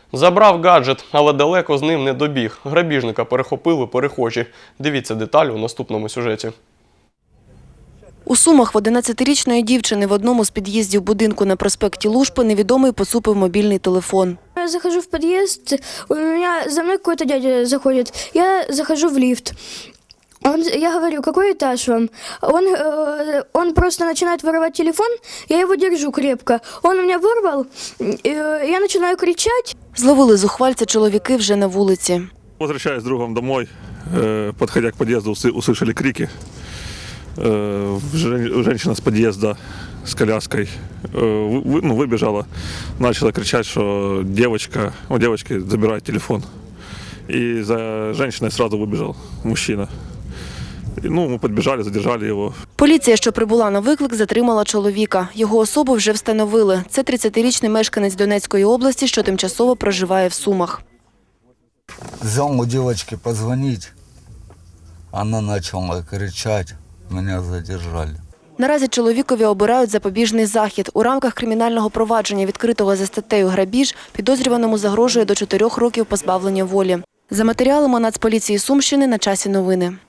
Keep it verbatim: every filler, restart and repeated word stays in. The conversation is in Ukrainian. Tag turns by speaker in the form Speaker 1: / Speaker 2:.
Speaker 1: Забрав гаджет, але далеко з ним не добіг. Грабіжника перехопили перехожі. Дивіться деталі у наступному сюжеті.
Speaker 2: У Сумах в одинадцятирічної дівчини в одному з під'їздів будинку на проспекті Лужпи невідомий поцупив мобільний телефон.
Speaker 3: Я захожу в подъезд, у меня за мной какой-то дядя заходит, я захожу в лифт. Он, я говорю, какой этаж вам? Он, э, он просто начинает воровать телефон, я его держу крепко. Он у меня вырвал, э, я начинаю кричать.
Speaker 2: Зловили зухвальця чоловіки вже на вулиці.
Speaker 4: Возвращаясь с другом домой, э, подходя к подъезду, усы- услышали крики. Э, жен- Женщина с подъезда с коляской э, вы- ну, выбежала, начала кричать, что девочка, у девочки забирает телефон. И за женщиной сразу выбежал мужчина. И, ну, мы подбежали, задержали его.
Speaker 2: Поліція, що прибула на виклик, затримала чоловіка. Його особу вже встановили. Це тридцятирічний мешканець Донецької області, що тимчасово проживає в Сумах.
Speaker 5: Взял у девочки позвонить, она начала кричать, меня задержали.
Speaker 2: Наразі чоловікові обирають запобіжний захід. У рамках кримінального провадження, відкритого за статтею «Грабіж», підозрюваному загрожує до чотирьох років позбавлення волі. За матеріалами Нацполіції Сумщини на часі новини.